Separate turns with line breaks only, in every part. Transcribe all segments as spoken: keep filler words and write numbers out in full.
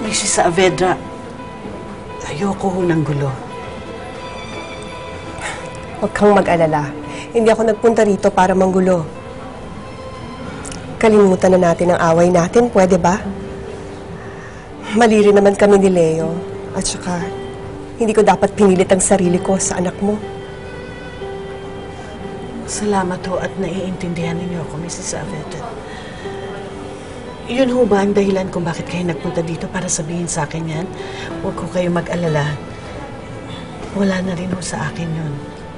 Missus Saavedra, ayoko ho ng gulo.
Huwag kang mag-alala. Hindi ako nagpunta rito para manggulo. Kalimutan na natin ang away natin, pwede ba? Mali rin naman kami ni Leo. At saka, hindi ko dapat pinilit ang sarili ko sa anak mo.
Salamat ho at naiintindihan ninyo ako, Missus Saavedra. Yun ho ba ang dahilan kung bakit kayo nagpunta dito para sabihin sa akin yan? Huwag ko kayo mag-alala. Wala na rin ho sa akin yun.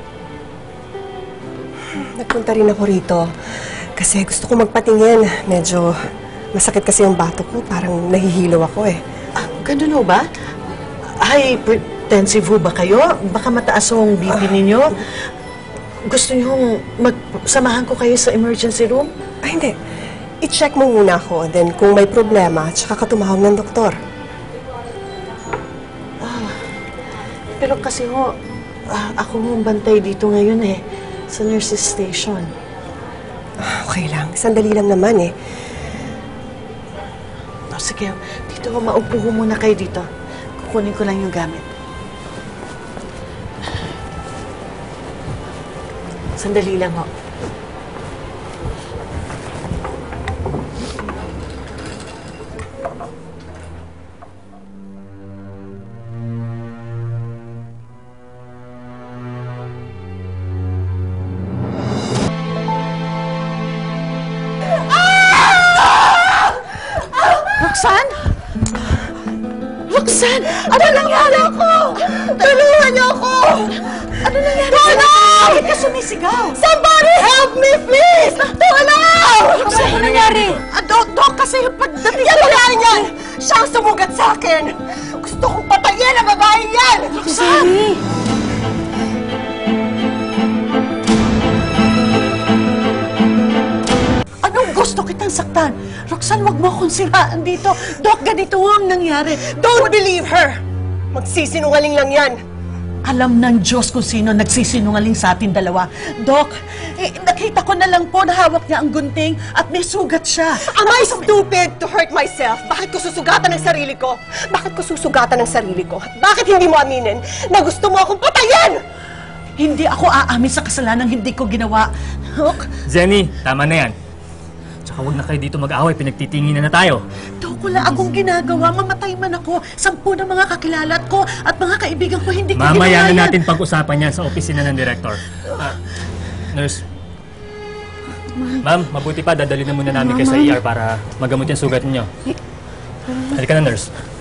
Nagpunta rin ako rito kasi gusto ko magpatingin. Medyo masakit kasi yung bato ko. Parang nahihilaw ako eh.
Ah, ganun ho ba? Hypertensive ho ba kayo? Baka mataas ho ang B P ninyo? Gusto niyo magsamahan ko kayo sa emergency room?
Ay, hindi. I-check mo muna ako. Then, kung may problema, tsaka ka tumawag ng doktor.
Ah, pero kasi ho, ah, ako ho ang bantay dito ngayon eh. Sa nurse's station.
Ah, okay lang. Sandali lang naman eh.
Oh, sige, dito ho, maupo ho muna kayo dito. Kukunin ko lang yung gamit. Sandali lang ho. Roxanne? Roxanne! Ano nangyari ako? Tulungan niyo ako! Ano nangyari? Tulong! Bakit ka sumisigaw? Somebody help me, please! Tulong! Roxanne, ano nangyari? Ah, Dok, Dok, kasi pagdating... Yan babae niyan! Siya ang sumugat sa akin! Gusto kong patayin ang babae niyan! Roxanne! Gusto kitang saktan. Roxanne, wag mo akong siraan dito. Dok, ganito ang nangyari.
Don't believe her! Magsisinungaling lang yan.
Alam ng Diyos kung sino nagsisinungaling sa atin dalawa. Dok, eh, nakita ko na lang po na hawak niya ang gunting at may sugat siya.
Am I stupid to hurt myself? Bakit ko susugatan ang sarili ko? Bakit ko susugatan ang sarili ko? At bakit hindi mo aminin na gusto mo akong patayin?
Hindi ako aamin sa kasalanan hindi ko ginawa. Dok?
Zenny, tama na yan. Tsaka huwag na kayo dito mag-away, pinagtitinginan na tayo.
Dok, wala akong ginagawa. Mamatay man ako. Sampu ng mga kakilalat ko at mga kaibigan ko hindi ko ginawa
Mamaya
yan.
na natin pag-usapan yan sa opisina ng director. Uh, nurse. Ma'am, mabuti pa, dadalhin na muna namin kayo sa E R para magamot yung sugat ninyo. Halika na, nurse.